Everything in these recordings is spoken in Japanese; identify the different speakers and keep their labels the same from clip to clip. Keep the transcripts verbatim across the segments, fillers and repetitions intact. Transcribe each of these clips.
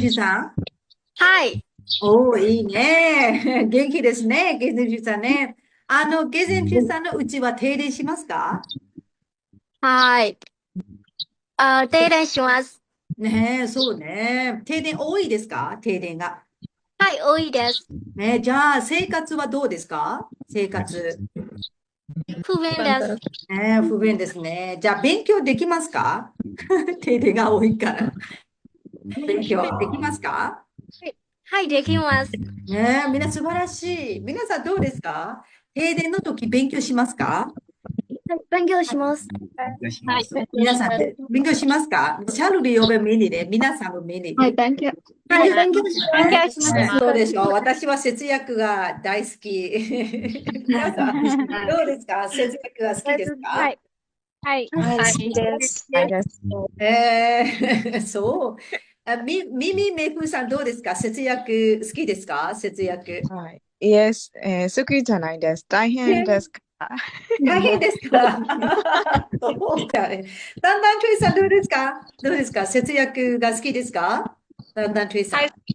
Speaker 1: ジさん。
Speaker 2: はい。
Speaker 1: おー、いいね。元気ですね。ゲゼンジュさんね。あの、ゲゼンジュさんのうちは停電しますか？
Speaker 2: はい。あ、停電します。
Speaker 1: ねえ、そうね。停電多いですか？停電が。
Speaker 2: はい、多いです。
Speaker 1: ねえ、じゃあ、生活はどうですか？生活。
Speaker 2: 不便です。
Speaker 1: ねえ、不便ですね。じゃあ、勉強できますか？停電が多いから。勉強できますか？
Speaker 2: はい、はい、できます。
Speaker 1: ねえ、みんな素晴らしい。皆さんどうですか？停電の時勉強しますか？
Speaker 2: はい、勉強します。
Speaker 1: 勉強し
Speaker 2: はい、
Speaker 1: ます。
Speaker 2: 勉強
Speaker 1: 皆さん
Speaker 2: します。
Speaker 1: で勉強しますか？シャルル呼べミニで、皆さんもミニで。
Speaker 3: はい、勉強。
Speaker 1: 勉強
Speaker 2: はい、
Speaker 1: します
Speaker 2: 勉
Speaker 1: ね。
Speaker 2: 強します。
Speaker 1: ね、そうでしょう。私は節約が大好き。皆さん、どうですか？節約が好きですか？
Speaker 2: はい、はい、
Speaker 3: はい、好
Speaker 2: はい、
Speaker 3: きです。
Speaker 2: です。
Speaker 1: えー、そう。あ、み、ミミメイクさんどうですか？節約好きですか？節約。
Speaker 3: はい。イエス、えー、好きじゃないです。大変ですか？
Speaker 1: 大変ですか？そうかね。だんだんトゥイさんどうですか？どうですか？節約が好きですか？だんだんトゥイさ
Speaker 4: はい、
Speaker 1: ん。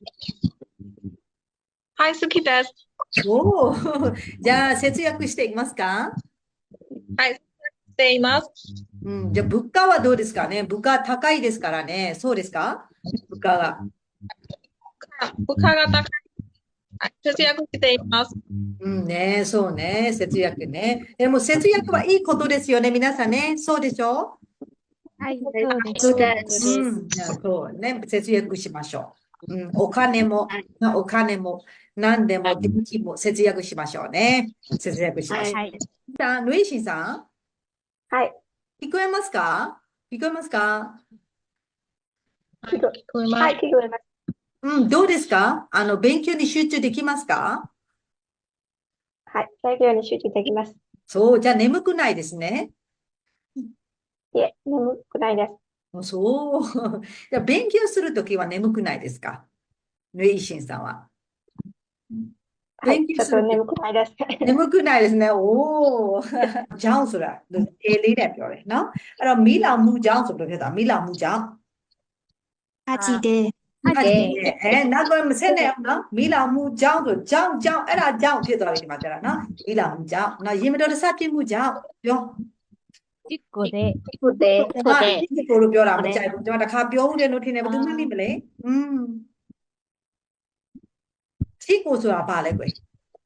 Speaker 4: はい、好きです。
Speaker 1: おお、じゃあ節約していますか？
Speaker 4: はい、しています。
Speaker 1: うん、じゃあ物価はどうですかね？物価高いですからね。そうですか？物価が。
Speaker 4: あ物価が高い。はい、節約しています。
Speaker 1: うんね、そうね、節約ね。でも節約はいいことですよね、皆さんね。そうでしょ？
Speaker 2: はい、そうです。
Speaker 3: そう
Speaker 2: そう
Speaker 3: です。
Speaker 2: です。
Speaker 1: うん、そうね、節約しましょう。うん、お金も、なお金も、何でも、電気も節約しましょうね。節約しましょ
Speaker 2: はい。
Speaker 1: う。さあ、ルイシンさ
Speaker 2: はい。
Speaker 1: ん、聞こえますか？聞こえますか？
Speaker 4: はい、聞こえます。
Speaker 2: はい、聞こえます。
Speaker 1: うん、どうですか？あの、勉強に集中できますか？
Speaker 2: はい、勉強に集中できます。
Speaker 1: そう、じゃあ眠くないですね。
Speaker 2: いえ、眠くないです。
Speaker 1: そう。じゃあ勉強するときは眠くないですか？ルイシンさんは。
Speaker 2: はい、
Speaker 1: 勉強するとき
Speaker 2: ちょっと眠くないです。
Speaker 1: 眠くないですね。おお。ကြောင်းဆိုတာအေးလေးနဲ့ပြောတယ်နော်အဲ့တော့မီးလောင်မှုကြောင်းဆိုလို့ဖြစ်တာမီးလောင်မှုကြောင်း
Speaker 3: アジで、
Speaker 2: はい、
Speaker 1: ဖတ်ကြည့်တယ်အဲနောက်တော့မဆက်နဲ့အောင်နော်မီးလောင်မှုကြောင်းဆိုကြောင်းကြောင်းအဲ့ဒါကြောင်းဖြစ်သွားပြီဒီမှာကျတာနော်မီးလောင်မှုကြောင်းနော်ရေမတော်တဆဖြစ်မှုကြောင်းပြော
Speaker 3: じっこで、
Speaker 2: そうで
Speaker 1: ကျွန်မ
Speaker 2: そうで
Speaker 1: ဒီကိုလိုပြောတာမကြိုက်ဘူးကျွန်မတစ်ခါပြောဦးတယ်လို့ထင်တယ်ဘယ်သူမှမသိမလဲอืมဒီကိုဆိုတာဘာလဲကွယ်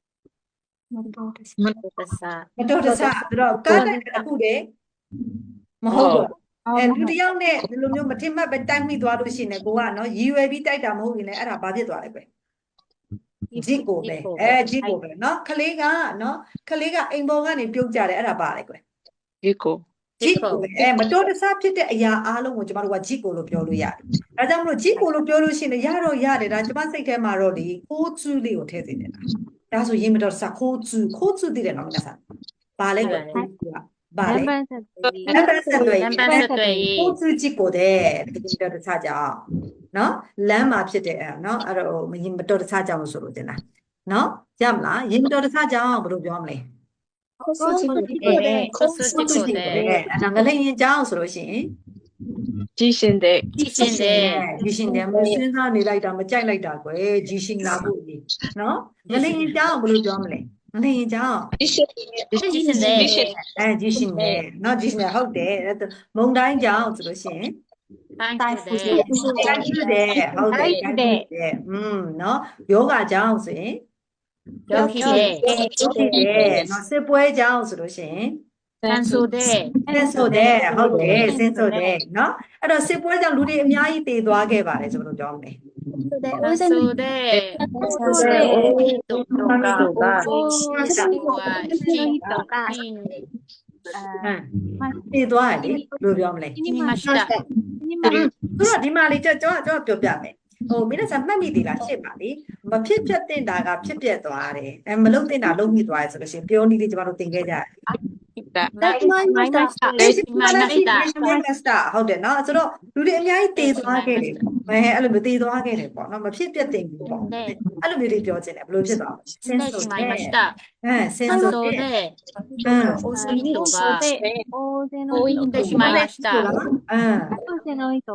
Speaker 4: มัน
Speaker 2: す。さ
Speaker 1: မတော်တဆဆိုတော့ကားတဲ့အခုတည်းမဟုတ်တော့အဲလူတစ်ယောက်နဲ့ဒီလိုမျိုးမထင်မှတ်ပဲတိုက်မိသွားလို့ရှိရင်ကိုကနော်ရည်ရွယ်ပြီးတိုက်တာမဟုတ်ရင်လည်းအဲ့ဒါဘာဖြစ်သွားလဲကွယ်ဂျစ်ကိုပဲအဲဂျစ်ကိုပဲနော်ကလေးကနော်ကလေးကအိမ်ပေါ်ကနေပြုတ်ကြတယ်အဲ့ဒါပါလေကွယ်
Speaker 4: 結構。
Speaker 1: ဂျစ်ကိုပဲအဲမတော်တဆဖြစ်တဲ့အရာအားလုံးကိုကျမတို့ကဂျစ်ကိုလို့ပြောလို့ရတယ်ဒါကြောင့်မလို့ဂျစ်ကိုလို့ပြောလို့ရှိရင်ရတော့ရတယ်ဒါကျမစိတ်ထဲမှာတော့ဒီခိုးကျူးလေးကိုထည့်စေနေတာဒါဆိုရင်မတော်တဆခိုးကျူးခိုးကျူးသိတယ်နော်皆さんဘာလဲကွယ်ခိုးကျူးကဘာလဲ
Speaker 2: 南蛮さんといい。
Speaker 1: လမ်းပန်းဆက်သွယ်ရေး
Speaker 2: 南蛮さんとい
Speaker 1: 交
Speaker 2: い。
Speaker 1: 通事故တဲ့ဒီတော့တခြားကြောင်နော်လမ်းမှာဖြစ်တဲ့အဲ့နော်အဲ့တော့မရင်မတော်တခြားကြောင်လို့ဆိုလို့တင်တာနော်ရမလားရင်မတော်တခြားကြောင်ဘယ်လိုပြောမလဲ
Speaker 2: コス事故で、コス事故で、
Speaker 1: အဲ့ဒါငလိန်ရင်ကြောင်ဆိုလို့ရှိရင်
Speaker 4: 地震で。
Speaker 2: 地震で、
Speaker 1: ဂျီရှင်တယ်မစဉ်းစားနေလိုက်တာမကြိုက်လိုက်တာကွယ်ဂျီရှင်လာဖို့ကြီးနော်ငလိန်ရင်ကြောင်ဘယ်လိုပြောမလဲငလိန်ရင်ကြောင်
Speaker 4: 地震
Speaker 2: 地震で、
Speaker 4: 地震
Speaker 1: အဲဂျီရှင်တယ်နော်ဂျီရှင်တယ်ဟုတ်တယ်အဲ့ဒါမုံတိုင်းကြောင်ဆိုလို့ရှိရင်
Speaker 2: 台風で、
Speaker 1: တိုင်းဖြစ်တယ်ဟုတ်တယ်တိုင်းဖြစ်တယ်อืมเนาะယောဂကြောင့်ဆိုရင်
Speaker 2: 病気で、
Speaker 1: ဖြစ်တယ်เนาะစစ်ပွဲကြောင့်ဆိုလို့ရှိရင်
Speaker 2: 戦争で、
Speaker 1: ဆင်းဆိုတယ်ဟုတ်တယ်ဆင်းဆိုတယ်เนาะအဲ့တော့စစ်ပွဲကြောင့်လူတွေအများကြီးတည်သွားခဲ့ပါတယ်ဆိုလို့ပြောမလဲ
Speaker 2: 戦争で、戦争で、人とか、大人は人が死んで、
Speaker 1: ဟမ်တည်သွားတယ်လေဘယ်လိုပြောမလဲ
Speaker 2: 死にました。
Speaker 1: ဆိုတော့ဒီမှာလေးကျွန်တော်ကျွန်တော်ပြောပြမယ်ဟိုမိနစ်စာမှတ်မိသေးလားရှင်းပါလေမဖြစ်ပြတ်တင်တာကဖြစ်ပြတ်သွားတယ်အဲမလုံးတင်တာလုံးမိသွားတယ်ဆိုလို့ရှိရင်ပြောနည်းလေးကျွန်တော်တို့သင်ခဲ့ကြတယ်
Speaker 4: だ。
Speaker 2: 決まりました。
Speaker 1: လက်ရှိ
Speaker 2: 決まりました。
Speaker 1: မစတာဟုတ်တယ်နော်ဆိုတော့လူတွေအများကြီးတည်သွားခဲ့တယ်မဲအဲ့လိုမျိုးတည်သွားခဲ့တယ်ပေါ့နော်မဖြစ်ပြတ်တင်ဘူးပေါ့အဲ့လိုမျိုးလေးပြောချင်တယ်ဘယ်လိုဖြစ်သွားလဲဆင်း
Speaker 2: で
Speaker 1: ဆို
Speaker 2: しま
Speaker 1: တယ်
Speaker 2: いました。
Speaker 1: အဲဆင်း
Speaker 2: 戦
Speaker 1: ဆို
Speaker 2: 争
Speaker 1: တယ်
Speaker 2: で、
Speaker 1: အင်း
Speaker 2: 人が
Speaker 3: 大勢の
Speaker 2: 死んでしまいました。
Speaker 1: အင်း
Speaker 3: 大勢の人が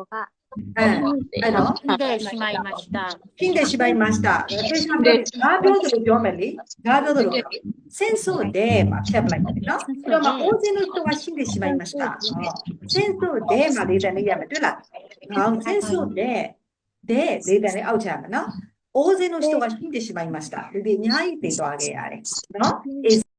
Speaker 1: ええ、အဲ့တော့
Speaker 2: 死んでしまいました。
Speaker 1: 死んでしまいました。ペシャンပြောငါပြောသလိုပြောမယ်လေငါပြောသလိုပြော戦争でまあဖြတ်ပလိုက်တယ်နော်အဲ့တော့まあ大勢の人が死んでしまいました戦争でまあလေးတန်လေးရမယ်တွေ့လားဟော戦争ででလေးတန်လေးအောက်ချရမယ်နော်大勢の人が死んでしまいましたလူတွေအများကြီးသေသွားခဲ့ရတယ်နော်